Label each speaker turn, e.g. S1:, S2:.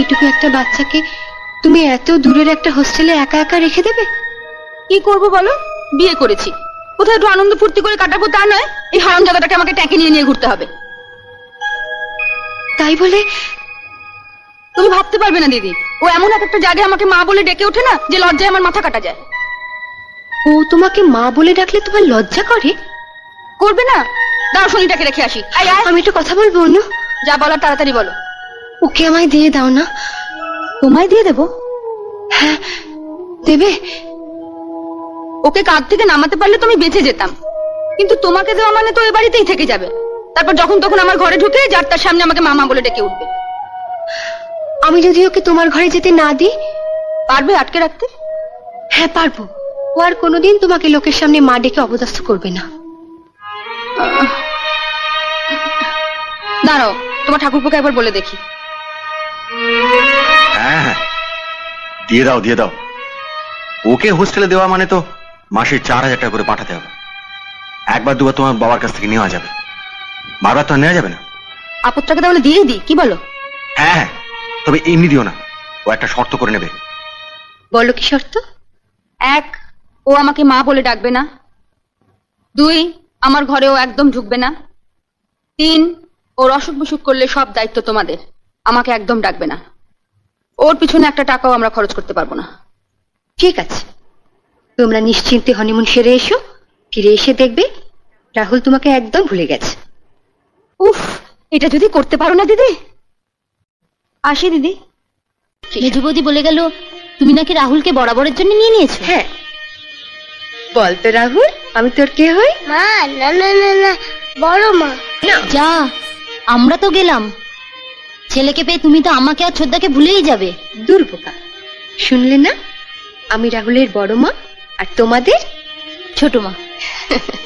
S1: এইটুকু একটা বাচ্চাকে তুমি এত দূরের একটা হোস্টেলে একা একা রেখে দেবে?
S2: কি করবো বলো, বিয়ে করেছি, কোথায় একটু আনন্দ ফুর্তি করে কাটাবো তা নয়, এই হারাম জায়গাটাকে আমাকে ট্যাঁকে নিয়ে নিয়ে ঘুরতে হবে।
S1: তাই বলে
S2: তুমি ভাবতে পারবে না দিদি, ও এমন এক একটা জায়গায় আমাকে মা বলে ডেকে ওঠে না যে লজ্জায় আমার মাথা কাটা যায়।
S1: ও তোমাকে মা বলে ডাকলে তোমার লজ্জা করে?
S2: করবে না? দাও শনিটাকে রেখে আসি। আয় আয়,
S1: আমি একটু কথা বলবো অনু।
S2: যা বলার তাড়াতাড়ি বলো।
S1: ওকে আমায় দিয়ে দাও না।
S2: তোমায় দিয়ে দেবো?
S1: হ্যাঁ দেবে।
S2: ওকে কাঁধ থেকে নামাতে পারলে তুমি বেঁচে যেতাম, কিন্তু তোমাকে দেওয়া মানে তো এ বাড়িতেই থেকে যাবে। তারপর যখন তখন আমার ঘরে ঢুকে যার তার সামনে আমাকে মামা বলে ডেকে উঠবে।
S1: আমি যদি ওকে তোমার ঘরে যেতে না দিই?
S2: পারবে আটকে রাখতে?
S1: হ্যাঁ পারবো। ও আর কোনোদিন তোমাকে লোকের সামনে মা ডেকে অপদস্থ করবে না।
S2: দাঁড়াও, তোমার ঠাকুরপোকে একবার বলে দেখি।
S3: হ্যাঁ হ্যাঁ, দিয়ে দাও দিয়ে দাও। ওকে হোস্টেলে দেওয়া মানে তো মাসে 4,000 টাকা করে পাঠাতে হবে। একবার দুবার তোমার বাবার কাছ থেকে নেওয়া যাবে, বারবার তো আর নেওয়া যাবে না।
S2: আপদটাকে তাহলে দিয়ে দিই, কি বলো?
S3: হ্যাঁ হ্যাঁ, তবে এমনি দিও না, ও একটা শর্ত করে নেবে।
S1: বলো কি শর্ত?
S2: 1, ও আমাকে মা বলে ডাকবে না। 2, আমার ঘরে ও একদম ঢুকবে না। 3, ওর অসুখ বিসুখ করলে সব দায়িত্ব তোমাদের, আমাকে একদম ডাকবে না। ওর পিছনে একটা টাকাও আমরা খরচ করতে পারবো না।
S1: ঠিক আছে, তোমরা নিশ্চিন্তে হনিমুন সেরে এসো। ফিরে এসে দেখবে রাহুল তোমাকে একদম ভুলে গেছে।
S2: উফ, এটা যদি করতে পারো না দিদি। আসি দিদি।
S4: মেজো বৌদি বলে গেল তুমি নাকি রাহুলকে বরাবরের জন্য নিয়ে নিয়েছো।
S1: হ্যাঁ, বল তো রাহুল, আমি তোর কে হই?
S5: মা, না না না না, বড় মা।
S4: যা, আমরা তো গেলাম। ছেলেকে পেয়ে তুমি তো আমাকে আর ছোদ্দাকে ভুলেই যাবে।
S1: দুর্বোকা, শুনলে না? আমি রাহুলের বড় মা আর তোমাদের
S4: ছোট মা।